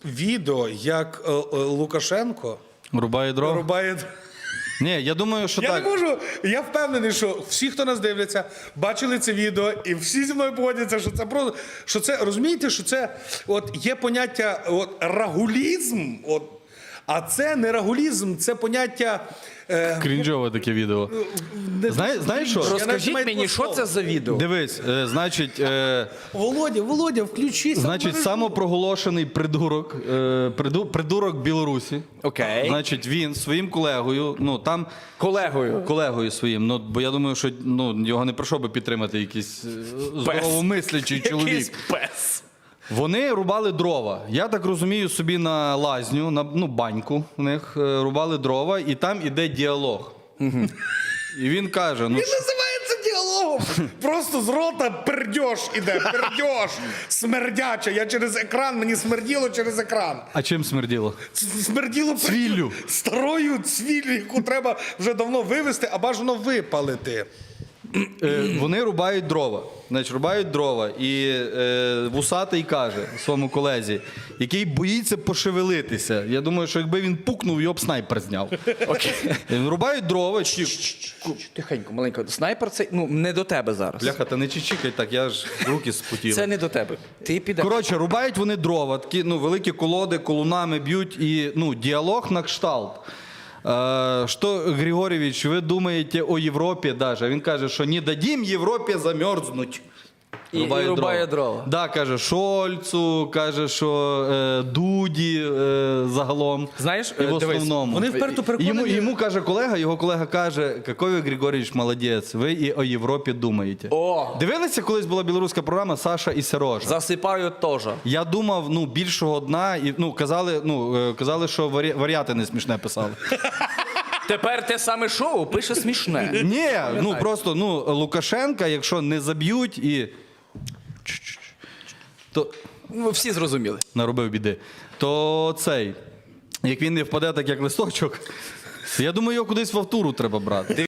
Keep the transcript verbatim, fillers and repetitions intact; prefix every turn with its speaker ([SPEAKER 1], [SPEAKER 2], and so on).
[SPEAKER 1] відео, як е, е, Лукашенко
[SPEAKER 2] Рубає дрова?
[SPEAKER 1] рубає.
[SPEAKER 2] Ні, я думаю, що
[SPEAKER 1] Я
[SPEAKER 2] так.
[SPEAKER 1] не можу, я впевнений, що всі, хто нас дивляться, бачили це відео, і всі зі мною погодяться, що це просто, що це, розумієте, що це, от є поняття, от, рагулізм, от, а це не рагулізм, це поняття... Е,
[SPEAKER 2] Крінжове таке відео.
[SPEAKER 1] не-
[SPEAKER 2] Знає- знаєш що?
[SPEAKER 1] Я навіть
[SPEAKER 3] Розкажіть
[SPEAKER 1] маю
[SPEAKER 3] мені, що
[SPEAKER 1] слово.
[SPEAKER 3] це за відео?
[SPEAKER 2] Дивись, е, значить, е,
[SPEAKER 1] Володя, Володя, включися.
[SPEAKER 2] значить, самопроголошений придурок, е, приду, придурок Білорусі.
[SPEAKER 3] Окей.
[SPEAKER 2] Значить, він своїм колегою, ну там
[SPEAKER 3] Колегою.
[SPEAKER 2] колегою своїм, ну бо я думаю, що ну його не пройшов би підтримати якийсь е, здоровомислячий чоловік.
[SPEAKER 3] Якийсь пес.
[SPEAKER 2] Вони рубали дрова. Я так розумію, собі на лазню, на ну, баньку в них е, рубали дрова, і там іде діалог. І він каже: ну
[SPEAKER 1] Він називається діалогом. Просто з рота пердьош іде, пердьош, смердяча. Я через екран, мені смерділо через екран.
[SPEAKER 2] а чим смерділо?
[SPEAKER 1] Смерділо пердьош.
[SPEAKER 2] Цвіллю.
[SPEAKER 1] Старою цвіллю, яку треба вже давно вивезти, а бажано випалити.
[SPEAKER 2] Е, вони рубають дрова. Значить, рубають дрова. І е, вусатий каже своєму колезі, який боїться пошевелитися. Я думаю, що якби він пукнув, його б снайпер зняв.
[SPEAKER 3] Окей.
[SPEAKER 2] Е, Рубають дрова. Чи...
[SPEAKER 3] Тихенько, маленько. Снайпер це ну, не до тебе зараз.
[SPEAKER 2] Бляха, та не чичикай так, я ж руки спотіли.
[SPEAKER 3] Це не до тебе. Ти підеш.
[SPEAKER 2] Коротше, рубають вони дрова, такі ну, великі колоди, колунами б'ють, і ну, діалог на кшталт. Е, Що, Григорьевич, ви думаєте о Європі даже? Він каже, що не дадим Європі замерзнуть.
[SPEAKER 3] І- і рубає дрова.
[SPEAKER 2] Да, каже Шольцу, каже, що е, Дуді е, загалом.
[SPEAKER 3] Знаєш,
[SPEAKER 2] і в
[SPEAKER 3] е, дивись,
[SPEAKER 2] основному.
[SPEAKER 1] Вони вперто переконані.
[SPEAKER 2] Йому, йому каже колега, його колега каже, який ви, Григорьевич, молодець, ви і о Європі думаєте.
[SPEAKER 3] О!
[SPEAKER 2] Дивилися, колись була білоруська програма «Саша і Сережа»?
[SPEAKER 3] Засипаю теж.
[SPEAKER 2] Я думав, ну, більшого дна, і, ну, казали, ну, е, казали, що варі... варіати не смішне писали.
[SPEAKER 3] Тепер те саме шоу пише смішне.
[SPEAKER 2] Ні, ну, просто, ну, Лукашенка, якщо не заб'ють і... то
[SPEAKER 3] Ну, всі зрозуміли.
[SPEAKER 2] наробив біди, то цей, як він не впаде так, як листочок, я думаю, його кудись в автуру треба брати.